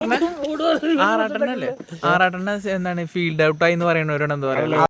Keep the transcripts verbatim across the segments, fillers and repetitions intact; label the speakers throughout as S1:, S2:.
S1: ആറാട്ടെണ്ണല്ലേ ആറാട്ടെണ്ണ എന്താണ് ഫീൽഡ് ഔട്ടായി എന്ന് പറയുന്നവരോട് എന്താ പറയാ?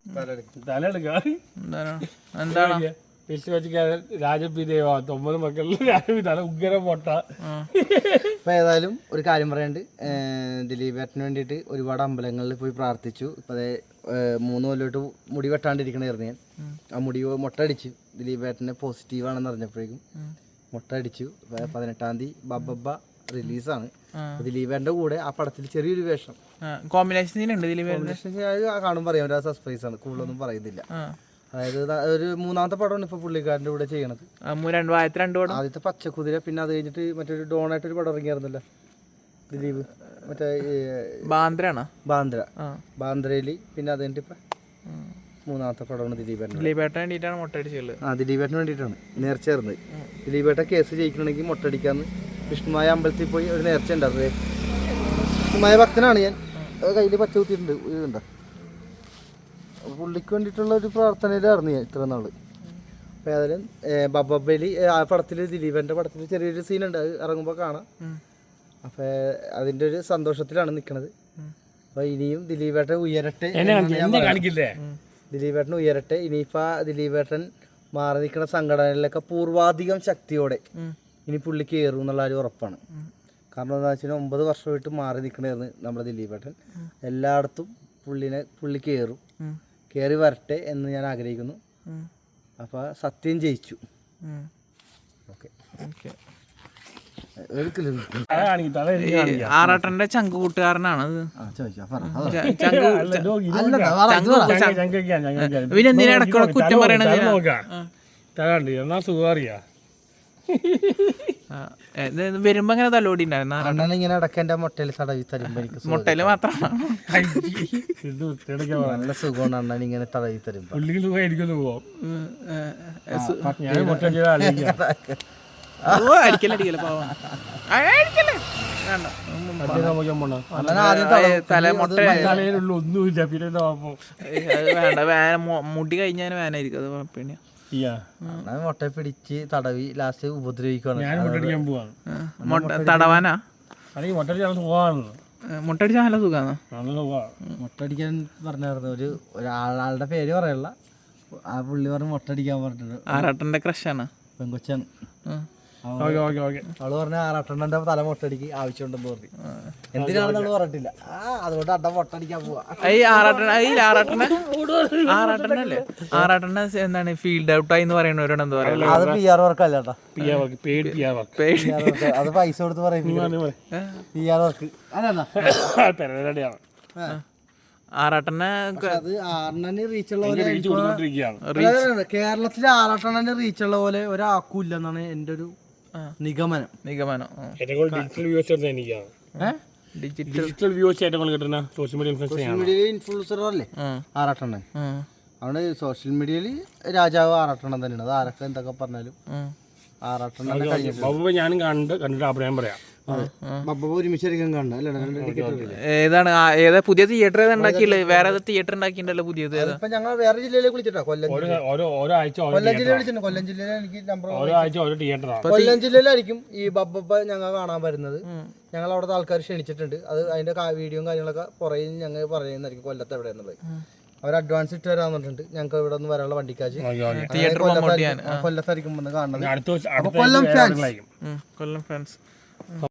S1: എന്താണ്
S2: രാജപിദേവ ഒമ്പത് മക്കളിൽ രാജപിതാല ഉഗ്ര പൊട്ട.
S3: ഇപ്പൊ ഏതായാലും ഒരു കാര്യം പറയാണ്ട്, ദിലീപേട്ടന് വേണ്ടിയിട്ട് ഒരുപാട് അമ്പലങ്ങളിൽ പോയി പ്രാർത്ഥിച്ചു. ഇപ്പൊ അതേ മൂന്ന് കൊല്ലോട്ട് മുടി വെട്ടാണ്ടിരിക്കണായിരുന്നു ഞാൻ. ആ മുടി മുട്ട അടിച്ചു. ദിലീപേട്ടന് പോസിറ്റീവാണെന്ന് അറിഞ്ഞപ്പോഴേക്കും മുട്ട അടിച്ചു. പതിനെട്ടാം തീയതി ബബ്ബ റിലീസാണ്. ദിലീപേട്ടന്റെ കൂടെ ആ പടത്തിൽ ചെറിയൊരു വേഷം
S1: കോമ്പിനേഷൻ
S3: കാണുമ്പോൾ പറയാം, ഒരു സർപ്രൈസ് ആണ്, കൂടുതലൊന്നും പറയുന്നില്ല. അതായത് ഒരു മൂന്നാമത്തെ പടമാണ് ഇപ്പൊ പുള്ളിക്കാരന്റെ കൂടെ ചെയ്യണത്. ആദ്യത്തെ പച്ചക്കുതിര, പിന്നെ അത് കഴിഞ്ഞിട്ട് മറ്റൊരു ഡോണായിട്ടൊരു പടം ഇറങ്ങിയായിരുന്നല്ലോ ദിലീപ്, മറ്റേ ബാന്ദ്ര ബാന്ദ്രയില്. പിന്നെ അത് കഴിഞ്ഞിട്ട് ഇപ്പൊ മൂന്നാമത്തെ പടമാണ് ദിലീപേട്ടൻ.
S1: ദിലീപേട്ടൻ വേണ്ടിയിട്ടാണ് മുട്ടടിച്ചുള്ളത്.
S3: ആ ദിലീപേട്ടന് വേണ്ടിയിട്ടാണ് നേർച്ചയായിരുന്നത്. ദിലീപേട്ട കേസ് ജയിക്കണമെങ്കിൽ മുട്ടടിക്കാന്ന് വിഷ്ണുമായ അമ്പലത്തിൽ പോയി ഒരു നേർച്ച ഉണ്ടായിരുന്നത്. വിഷ്ണുമായ ഭക്തനാണ് ഞാൻ. കയ്യിൽ പച്ച കുത്തിയിട്ടുണ്ട്, ഇതുണ്ടോ. പുള്ളിക്ക് വേണ്ടിയിട്ടുള്ള ഒരു പ്രാർത്ഥനയിലായിരുന്നു ഞാൻ ഇത്ര നാള്. അപ്പോൾ ഏതായാലും ബബ്ബയിൽ ആ പടത്തിൽ ദിലീപേൻ്റെ പടത്തിൽ ചെറിയൊരു സീനുണ്ട്, അത് ഇറങ്ങുമ്പോൾ കാണാം. അപ്പോൾ അതിൻ്റെ ഒരു സന്തോഷത്തിലാണ് നിൽക്കുന്നത്. അപ്പോൾ ഇനിയും ദിലീപേട്ടൻ ഉയരട്ടെ, ദിലീപേട്ടൻ ഉയരട്ടെ. ഇനിയിപ്പോൾ ദിലീപേട്ടൻ മാറി നിൽക്കുന്ന സംഘടനകളിലൊക്കെ പൂർവാധികം ശക്തിയോടെ ഇനി പുള്ളി കയറും എന്നുള്ള ഒരു ഉറപ്പാണ്. കാരണം എന്താ വെച്ചാൽ ഒമ്പത് വർഷമായിട്ട് മാറി നിൽക്കണമായിരുന്നു നമ്മുടെ ദിലീപേട്ടൻ. എല്ലായിടത്തും പുള്ളിനെ പുള്ളി കയറും, കയറി വരട്ടെ എന്ന് ഞാൻ ആഗ്രഹിക്കുന്നു. അപ്പോൾ സത്യം ജയിച്ചു. ഓക്കെ.
S1: ആറാട്ടന്റെ ചങ്ക് കൂട്ടുകാരനാണ് പിന്നെന്തിനാ ഇടയ്ക്കുള്ള കുറ്റം പറയണത്? വരുമ്പോ അങ്ങനെ തലോടി
S3: ഇങ്ങനെ ഇടയ്ക്ക് മുട്ടയിൽ തടവി തരുമ്പോ
S1: മുട്ടയില് മാത്രമാണ്
S3: നല്ല സുഖമാണ് അണ്ണൻ ഇങ്ങനെ തടവി തരുമ്പോ.
S1: മുടി കഴിഞ്ഞാൽ വേനായിരിക്കും, അത് പിന്നെ
S3: മുട്ട പിടിച്ച് തടവി ലാസ്റ്റ് ഉപദ്രവിക്കുകയാണ്.
S1: തടവാനാ മുട്ടടിച്ചാൽ നല്ല സുഖമാണ്.
S3: മുട്ടടിക്കാൻ പറഞ്ഞായിരുന്നു ഒരു ഒരാളുടെ പേര് പറയല്ല, ആ പുള്ളി പറഞ്ഞ് മുട്ടടിക്കാൻ പറഞ്ഞിട്ടുണ്ട്.
S1: ആറാട്ടന്റെ ക്രഷാണ്,
S3: പെങ്കൊച്ചാണ്. അവള് പറഞ്ഞ ആറാട്ടെണ്ണന്റെ തല മുട്ടടിക്ക് ആവശ്യമുണ്ടെന്ന് പറഞ്ഞു. എന്തിനാണെന്ന് പറഞ്ഞിട്ടില്ല. ആ അതുകൊണ്ട് അട്ട മുട്ടടിക്കാൻ പോവാ.
S1: ആറാട്ടെണ്ണല്ലേ ആറാട്ടെണ്ണ എന്താണ് ഫീൽഡ് ഔട്ടായി എന്ന് പറയുന്നവരോട് എന്താ പറയാ?
S3: അത് പി ആർ വർക്ക് അല്ലേട്ടാ, അത് പൈസ കൊടുത്ത് പറയും പി ആർ വർക്ക്.
S1: ആറാട്ടെണ്ണ
S3: അത് ആറെണ്ണന് റീച്ചുള്ള പോലെ കേരളത്തിലെ ആറാട്ടെണ്ണന് റീച്ചുള്ള പോലെ ഒരാൾക്കും ഇല്ലെന്നാണ് എന്റെ ഒരു നിഗമനം.
S1: നിഗമനം
S2: digital views social
S3: media influencer അല്ലേ ആറാട്ടെണ്ണൻ. അവിടെ സോഷ്യൽ മീഡിയയിൽ രാജാവ് ആറാട്ടെണ്ണൻ തന്നെയാണ്. അത് ആരൊക്കെ എന്തൊക്കെ പറഞ്ഞാലും ആറാട്ടെണ്ണൻ കഴിഞ്ഞിട്ട്
S2: ഞാനും കണ്ട് കണ്ടിട്ട് അഭിപ്രായം പറയാം.
S1: ഏതാണ് ഏതാ പുതിയ തിയേറ്റർ ഏതാ ഉണ്ടാക്കിയുള്ളത്? വേറെ തിയേറ്റർ ഉണ്ടാക്കിയിട്ടുണ്ടല്ലോ പുതിയത്.
S3: ഞങ്ങൾ വേറെ ജില്ലയിലേക്ക് വിളിച്ചിട്ടോ, കൊല്ലം കൊല്ലം ജില്ലയിൽ വിളിച്ചിട്ടുണ്ട്. കൊല്ലം ജില്ലയിൽ എനിക്ക് നമ്പർ കൊല്ലം ജില്ലയിലായിരിക്കും ഈ ബബ്ബ ഞങ്ങൾ കാണാൻ വരുന്നത്. ഞങ്ങൾ അവിടുത്തെ ആൾക്കാർ ക്ഷണിച്ചിട്ടുണ്ട്. അത് അതിന്റെ വീഡിയോയും കാര്യങ്ങളൊക്കെ പുറകെ ഞങ്ങൾ പറയുന്നതായിരിക്കും കൊല്ലത്ത് എവിടെ എന്നുള്ളത്. അവർ അഡ്വാൻസ് ഇട്ട് തരാൻ പറഞ്ഞിട്ടുണ്ട്. ഞങ്ങൾക്ക് ഇവിടെ നിന്ന് വരാനുള്ള വണ്ടിക്കാശ് കൊല്ലത്തായിരിക്കും വന്ന് കാണുന്നത്. കൊല്ലം ഫാൻസ്.